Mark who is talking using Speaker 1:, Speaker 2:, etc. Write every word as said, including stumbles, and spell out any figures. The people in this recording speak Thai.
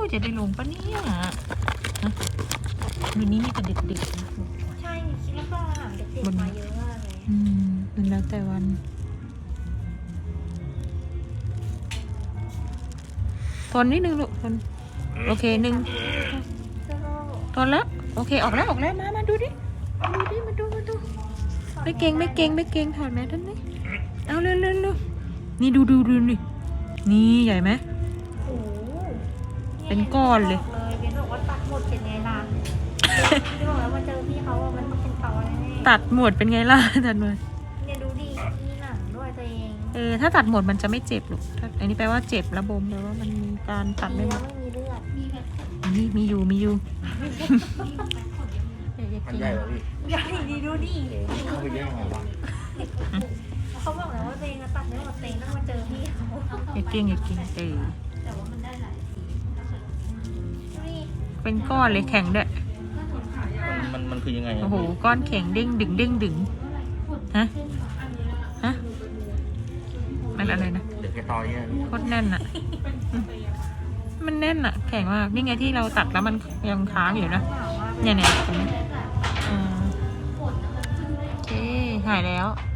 Speaker 1: จะได้ลงปะเนี่ยวันนี้มีแต่เด็กๆนะ
Speaker 2: ใช่คิดแล้วก็อาหารเด็กๆมาเยอะมากเลย
Speaker 1: อืมมันแล้วแต่วันทนนิดนึงลูกทนโอเคหนึ่งทนแล้วโอเคออกแล้วออกแล้วมามาดูดิดูดิมาดูมาดูไม่เก่งไม่เก่งไม่เก่งถอดแมสท่านนี่เอาเร็วเร็วเร็วนี่ดูดูดูนี่นี่ใหญ่ไหม
Speaker 2: โอ้
Speaker 1: เป็นก้อนเลย
Speaker 2: เบนบอกว่าตัดหมดเป็นไงล่ะที่บอกแล้วมาเจอพี่เขาว่ามันต้องเป็นตอแน่
Speaker 1: ตัดหมดเป็นไงล่ะตัดหมด
Speaker 2: เนี่ยดูดิมีหนังด้วยตัวเอง
Speaker 1: เออถ้าตัดหมดมันจะไม่เจ็บหรอกอันนี้แปลว่าเจ็บระบมแปลว่ามันมีการตัดไม่หมด
Speaker 2: ไม่มีเลือดมีแบบ
Speaker 1: นี่มีอยู่มีอยู่
Speaker 3: มันใหญ่กว่าพี่
Speaker 2: ใหญ่ดีดูดิ
Speaker 3: เขาไปแย่งอะไรวะ
Speaker 2: เขาบอกแล้วว่าตัวเองตัดไม่หมดเองต้องมาเจอพี่เขา
Speaker 1: อย่าเก่งอย่าเก่งเออ
Speaker 2: แต่ว่ามันได้หลายสี
Speaker 1: เป็นก้อนเลยแข็งด้วย
Speaker 3: มันมันคือยังไง
Speaker 1: โอ้โหก้อนแข็งเด้งดึงเด้งดึงฮะฮะมันอะไรนะ
Speaker 3: เด็กแกตอยเนี่ย
Speaker 1: โคตรแน่นอะมันแน่นอะแข็งมากนี่ไงที่เราตัดแล้วมันยังค้างอยู่นะเนี่ยเนี่ยตรงนี้โอเคหายแล้ว